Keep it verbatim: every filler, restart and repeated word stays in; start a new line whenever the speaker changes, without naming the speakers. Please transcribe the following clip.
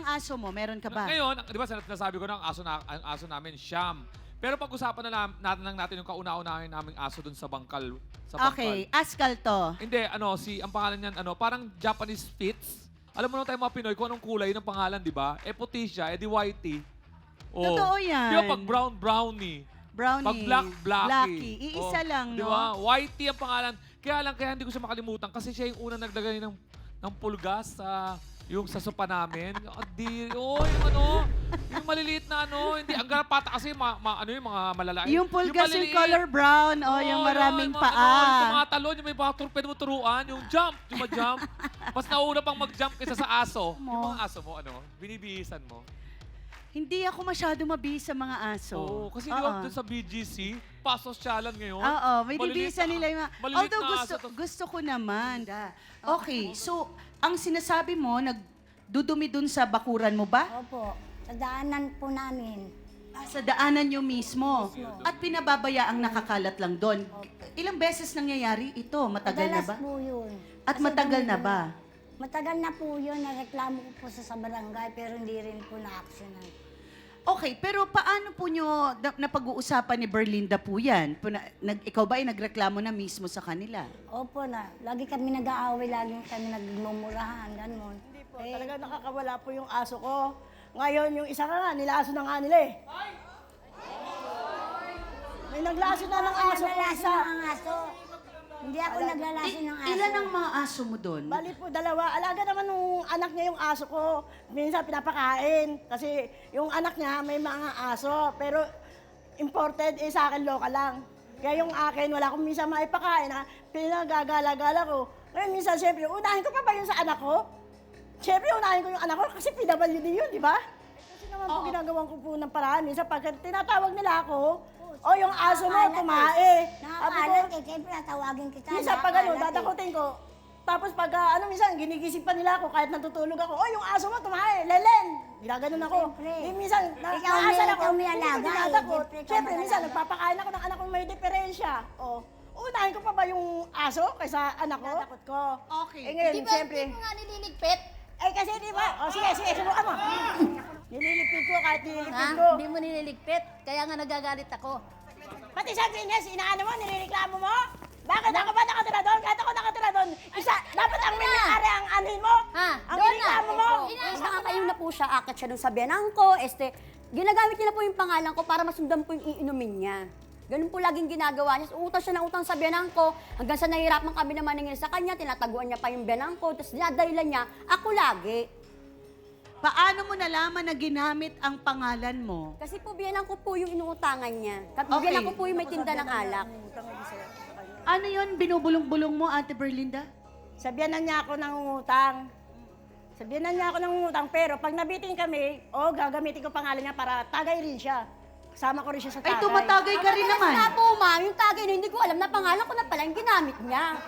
aso mo? Meron ka ba?
Ngayon, di ba sinasabi ko na ang aso, na, ang aso namin, Siam. Pero pag-usapan na lang, natin lang natin yung kauna-unahin naming aso dun sa bangkal. Sa bangkal.
Okay, Askal to.
Hindi, ano, si, ang pangalan niyan, ano, parang Japanese Spitz. Alam mo naman tayo mga Pinoy kung anong kulay ng pangalan, di ba? Eh, puti siya, eh, di whitey. Oh.
Totoo yan.
Di ba, pag brown, brownie.
Brownie.
Pag black, blacky.
Blacky. Iisa
Oh,
lang,
di
no?
ba? Whitey ang pangalan. Kaya lang, kaya hindi ko siya makalimutan kasi siya yung unang naglagay ng, ng pulgas sa yung sa sopa namin. Oh, di, oh, yung ano, yung maliliit na ano, hindi, ang garapata kasi, ma, ma, ano yung mga malalaki.
Yung pulgas yung
maliliit.
color brown, o
Oo,
yung
yun,
maraming
mga,
paa.
Ano, yung mga talon, yung may mga tur- pwede mo turuan, yung jump, yung ma-jump. Mas nauna pang mag-jump kaysa sa aso.
Mo.
Yung mga aso mo, ano, binibihisan mo.
Hindi ako masyado mabihis sa mga aso.
Oo, kasi di ba doon sa B G C, pasosyalan ngayon.
Oo, may
Maliliit
dibisan
na-
nila yung mga...
maliliit
Although
na
gusto,
aso to.
gusto ko naman. Okay, so ang sinasabi mo, nagdudumi dun sa bakuran mo ba?
Opo, sa daanan po namin.
Ah, Sa daanan nyo mismo. At pinababaya ang nakakalat lang doon. Ilang beses nangyayari ito? Matagal na
Madalas
ba?
po yun.
At
Kasi
matagal na
dumi-
ba?
Matagal na po yun. Nareklamo ko po sa, sa barangay pero hindi rin po na-actionan.
Okay, pero paano po nyo na, napag-uusapan ni Berlinda po yan? Po na- nag, ikaw ba ay nagreklamo na mismo sa kanila?
Opo na, lagi kami nag-aaway, lagi kami nagmumurahan, ganun.
Hindi po,
Eh,
talaga nakakawala po yung aso ko. Ngayon, yung isa ka nga, nilaso na nga nila eh. May naglaso na ng
ako
aso ko
naglalaso
isa.
ng aso. Hindi ako naglalaso ng aso.
Ilan ang mga aso mo doon?
Bali po, dalawa. Alaga naman nung anak niya yung aso ko. Minsan pinapakain. Kasi yung anak niya may mga aso. Pero imported, eh sa akin local lang. Kaya yung akin, wala akong minsan maipakain ha. Pinagagala-gala ko. Ngayon minsan, siyempre, unahin ko pa ba yun sa anak ko? Siyempre, unahin ko yung anak ko kasi P W D yun, di ba? Kasi naman po ginagawa ko po ng paraan. Minsan pag tinatawag nila ako, o yung aso mo, kumae. Sabi ko,
Nakakalat eh, siyempre natawagin kita.
minsan pag ano,
nakakalat eh.
dadakutin ko. Tapos pag ah, ano, minsan ginigising pa nila ako kahit natutulog ako. Oh, yung aso mo, tumae, lelen. Ginaganon ako.
Siyempre.
Eh, minsan, na,
Ikaw
naasal
may-
ako,
ikaw may
hindi ko
alaga eh.
dinadakot.
Siyempre, ikaw
Siyempre, minsan,
mag-alaga.
nagpapakain ako ng anak kong may diferensya. Oh, unahin ko pa ba yung aso kaysa anak ko? Dinadakot ko.
Okay.
Eh ngayon,
Di ba
siyempre.
hindi mo nga nililigpit?
Eh kasi di ba? Oh, sige, sige, subukan mo. Nililipid ko kahit nililipid
Ha?
ko.
Hindi mo nililigpit. Kaya nga nagagalit ako.
Pati sa Venus, inaano mo, nilireklamo mo? Bakit ako ba nakatira doon? Kahit ako nakatira doon, isa, dapat ang may-ari ang anin mo?
Ha?
Ang
Doon na.
nireklamo mo?
Mas nakakayo na po siya, akit siya dun sa biyanan ko, este, ginagamit niya na po yung pangalan ko para masundan po yung iinumin niya. Ganun po laging ginagawa niya. Utang siya ng utang sa biyanan ko, hanggang sa nahihirapan kami na maningil sa kanya, tinataguan niya pa yung biyanan ko, tapos dinadahilan niya, ako lagi.
Paano mo nalaman na ginamit ang pangalan mo?
Kasi po biyanan ko po yung inuutangan niya. Kat
Okay.
biyanan ko po yung may tinda ng alak.
Ano yon binubulong-bulong mo, Ate Berlinda?
Sabihan na niya ako ng utang. Sabihan na niya ako ng utang, pero pag nabitin kami, oh, gagamitin ko pangalan niya para tagay rin siya. Kasama ko rin siya sa tagay.
Ay, tumatagay ka rin naman.
Kaya po, ma'am, yung tagay na hindi ko alam na pangalan ko na pala yung ginamit niya.